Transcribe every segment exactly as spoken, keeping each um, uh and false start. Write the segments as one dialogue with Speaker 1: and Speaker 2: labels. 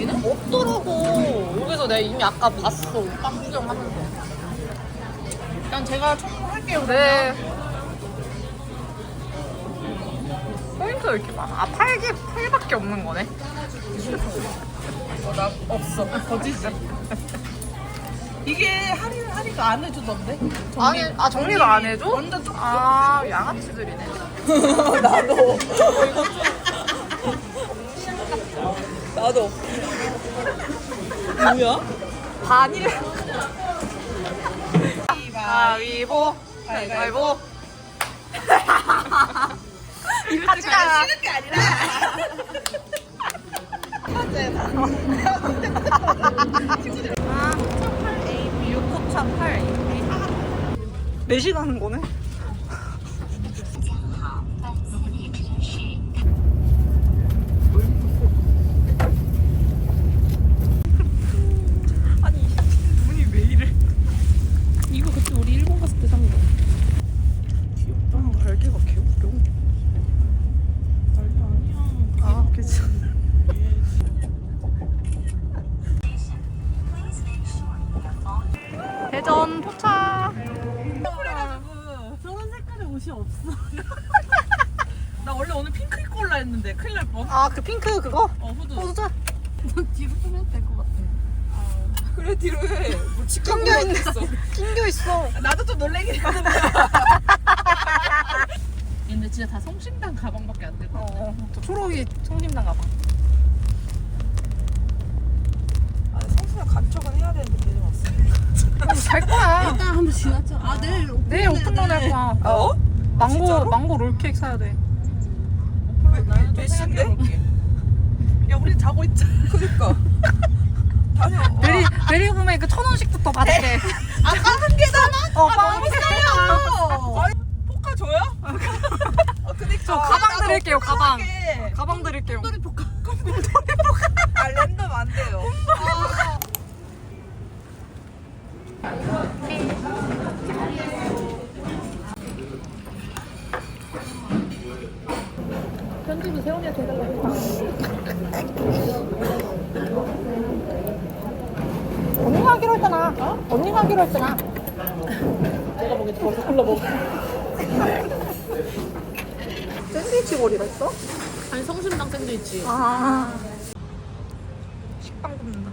Speaker 1: 여기는?
Speaker 2: 없더라고. 여기서 내가 이미 아까 봤어. 빵 구경하면서.
Speaker 1: 일단 제가 청소할게요.
Speaker 2: 네. 포인트가 이렇게 많아. 아, 팔 개, 팔밖에 없는 거네.
Speaker 1: 어, 나 없어. 거짓말. 이게 할인, 할인가 안 해주던데?
Speaker 2: 아니, 아, 정리를 안 해줘?
Speaker 1: 완전 쪽.
Speaker 2: 아, 양아치들이네.
Speaker 1: 나도. 나도. 뭐야?
Speaker 2: 반일. 가위보. 가위보. 같이 가.
Speaker 1: 쉬는 게 아니라.
Speaker 2: 육호차 팔. 넷이 가는 거네? 아니, 눈이 왜 이래?
Speaker 1: 이거 그때 우리 일본 갔을 때 산 거.
Speaker 2: 귀엽다. 갈개가 개웃겨.
Speaker 1: 말도 아니야.
Speaker 2: 아, 그치. 대전 포차.
Speaker 1: 그래가지고 저런 색깔의 옷이 없어. 나 원래 오늘 핑크 입고 올라 했는데 큰일 날 뻔.
Speaker 2: 아, 그 핑크 그거?
Speaker 1: 어 후드.
Speaker 2: 포자.
Speaker 1: 뒤로 쓰면 될 것 같아. 그래 뒤로 해. 뭐
Speaker 2: 낑겨 있어. 낑겨 있어.
Speaker 1: 나도 좀 놀래긴 하는데. 근데 진짜 다 성심당 가방밖에 안 되고.
Speaker 2: 어, 저 초록이 성심당 가방.
Speaker 1: 아 성수랑 간척은 해야 되는데 계속 왔어.
Speaker 2: 갈 거야.
Speaker 3: 일단 한번 지나쳐. 아 내일 오픈.
Speaker 2: 내일 오픈런 할 거야.
Speaker 1: 어?
Speaker 2: 망고
Speaker 1: 진짜로?
Speaker 2: 망고 롤케이크 사야 돼.
Speaker 1: 나는 몇 시인데? 야 우리 자고 있자. 그니까. 다녀.
Speaker 2: 메리 메리 구매 그 천 원씩부터 받을게.
Speaker 1: 아까 한 개잖아.
Speaker 2: 어,
Speaker 1: 아,
Speaker 2: 빵.
Speaker 1: 너무 싸요. 아니 포카 줘요? 어 그니까.
Speaker 2: 저 가방 드릴게요, 가방.
Speaker 1: 게
Speaker 2: 가방 드릴게요.
Speaker 3: 똘똘이 포카.
Speaker 1: 아 랜덤 안 돼요. 아. 편집은 세훈이한테 해달라고.
Speaker 2: 언니가 하기로 했잖아. 어? 언니가 하기로 했잖아.
Speaker 1: 내가 보기엔 벌써 골라 먹어.
Speaker 2: 샌드위치 볼이라 했어?
Speaker 1: 아니 성심당 샌드위치.
Speaker 2: 아. 식빵 굽는다.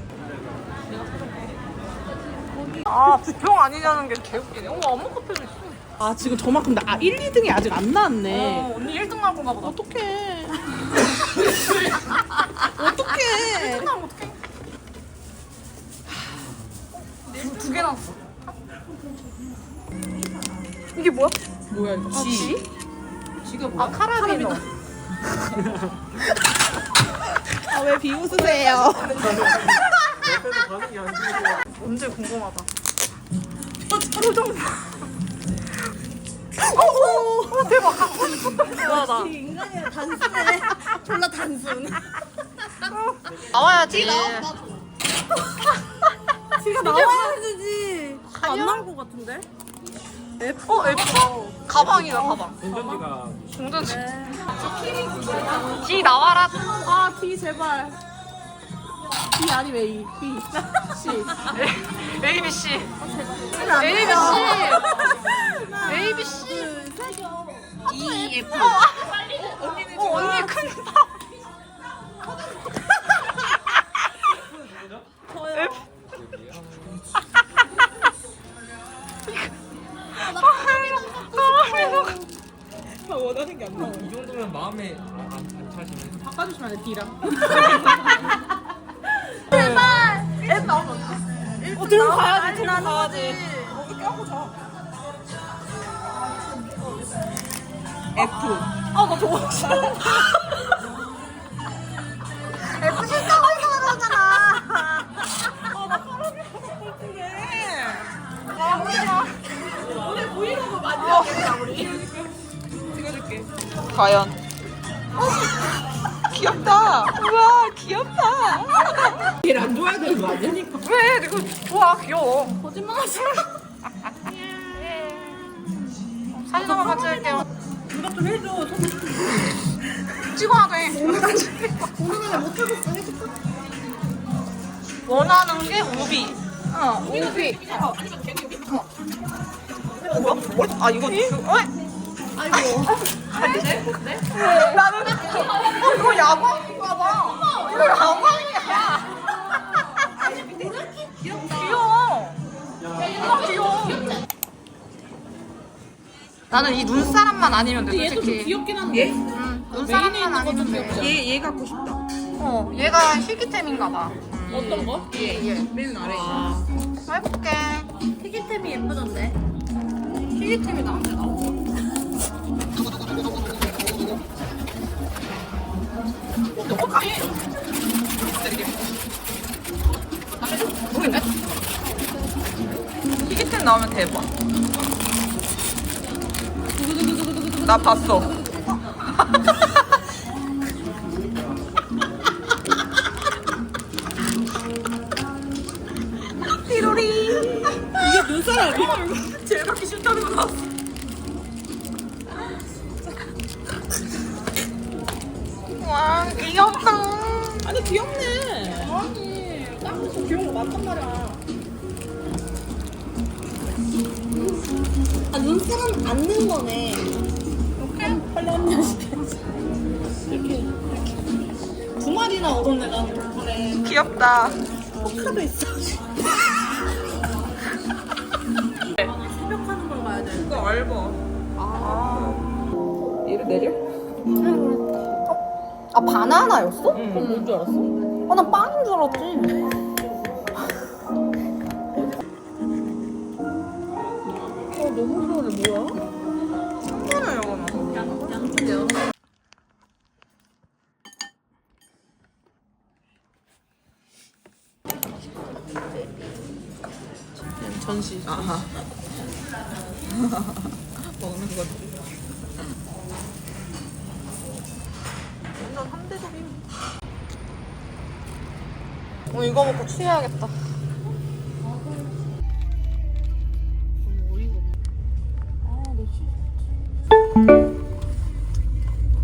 Speaker 2: 아, 부평 아니냐는 게 개웃기네. 어머, 어묵 커피도 있어.
Speaker 1: 아 지금 저만큼 나 아, 일, 이 등이 아직 안 나왔네.
Speaker 2: 어, 언니 일 등 할 건가 보다.
Speaker 1: 어떡해.
Speaker 2: 어떡해. 일 등 하면 어떡해. 두, 두 개 나왔어. 이게 뭐야?
Speaker 1: 뭐야 이거?
Speaker 2: 아, 지?
Speaker 1: 지가 뭐야?
Speaker 2: 아, 카라비노.
Speaker 1: 아 왜 비웃으세요?
Speaker 2: 언제 궁금하다. 표정 봐. 어, 어, 대박. 갖고 싶었다. 대단하다.
Speaker 3: 인간이야 단순해. 졸라 단순.
Speaker 2: 나와야지.
Speaker 3: 지가 나와야 되지. 안 나올 것 같은데?
Speaker 2: F? 어, F? 가방이다, 가방.
Speaker 4: 운전지가
Speaker 2: 동전지. 지 나와라.
Speaker 3: 아 D 제발. D 아니면 A. B. C.
Speaker 2: A, B, C.
Speaker 3: 안
Speaker 2: A, B,
Speaker 3: 돼요.
Speaker 2: C. A, B, C.
Speaker 3: E F.
Speaker 2: 언니는 어, 언니 큰다.
Speaker 3: 저요.
Speaker 1: 나 원하는 게 안 나와.
Speaker 4: 이 정도면 마음에 안, 안 차시네.
Speaker 1: 바꿔주시면 안 돼, D랑.
Speaker 3: 어 들어가야지. 들어가야지.
Speaker 1: 거기 껴고 자. F.
Speaker 2: 아, 나 저거 싫어. F 싫다고 해서 그러잖아.
Speaker 1: 아나 사람이 어떡해. 아 오늘 오늘 브이로그 많이 하겠다 우리. 찍어줄게.
Speaker 2: 과연. 귀엽다. 우와, 귀엽다.
Speaker 1: 얘를 안 좋아해야 되는 거 아니야?
Speaker 2: 왜? 이거 좋아, 귀여워.
Speaker 3: 거짓말하지.
Speaker 2: 사진 한번 같이 할게요.
Speaker 1: 누가 좀 해줘.
Speaker 2: 찍어야 돼.
Speaker 3: 오늘 안에 못 하겠어. 해줄까?
Speaker 2: 원하는 게 우비. 어, 우비. 어, 뭐야? 아, 이거, 이거, 어?
Speaker 3: 아이고.
Speaker 2: 나는, 어, 이거 야광인가 봐. 이거 야광이야. 귀여워. 아, 귀여워. 나는 이 눈사람만 아니면 돼,
Speaker 3: 얘도 좀
Speaker 2: 솔직히.
Speaker 3: 귀엽긴 한데.
Speaker 2: 응, 눈사람만 아니면 돼.
Speaker 1: 얘, 얘 갖고 싶다.
Speaker 2: 어, 얘가 희귀템인가 봐.
Speaker 3: 어떤 거?
Speaker 2: 얘, 얘.
Speaker 1: 맨 아래.
Speaker 2: 해볼게.
Speaker 3: 희귀템이 예쁘던데.
Speaker 2: 희귀템이 나한테 나오고. 모르겠네. 희귀템 나오면 대박. 나 봤어. 띠로리.
Speaker 3: 이게 눈사람이야?
Speaker 2: 제일 받기 싫다는 거 나왔어. 와, 귀엽다.
Speaker 3: 아니 귀엽네. 아니 땀에서 귀여운 거 맞단 말이야. 아 눈사람 앉는 거네. 이렇게 빨리 언니 시켜야지. 이렇게 이렇게 두 마리나 얻었네 나 덕분에.
Speaker 2: 귀엽다.
Speaker 3: 포카도 있어. 새벽하는 걸 봐야 돼.
Speaker 2: 이거 알바. 아. 얘를 내려?
Speaker 3: 아 바나나였어?
Speaker 2: 응.
Speaker 3: 그럼 뭔 줄 알았어? 아 난 빵인 줄 알았지. 어 너무 좋아해 뭐야?
Speaker 2: 이거는 이거는.
Speaker 3: 양 양쪽 여러.
Speaker 1: 전시.
Speaker 2: 아하. 먹는 거지. 완전 삼 대 dob임. 어, 이거 먹고 취해야겠다.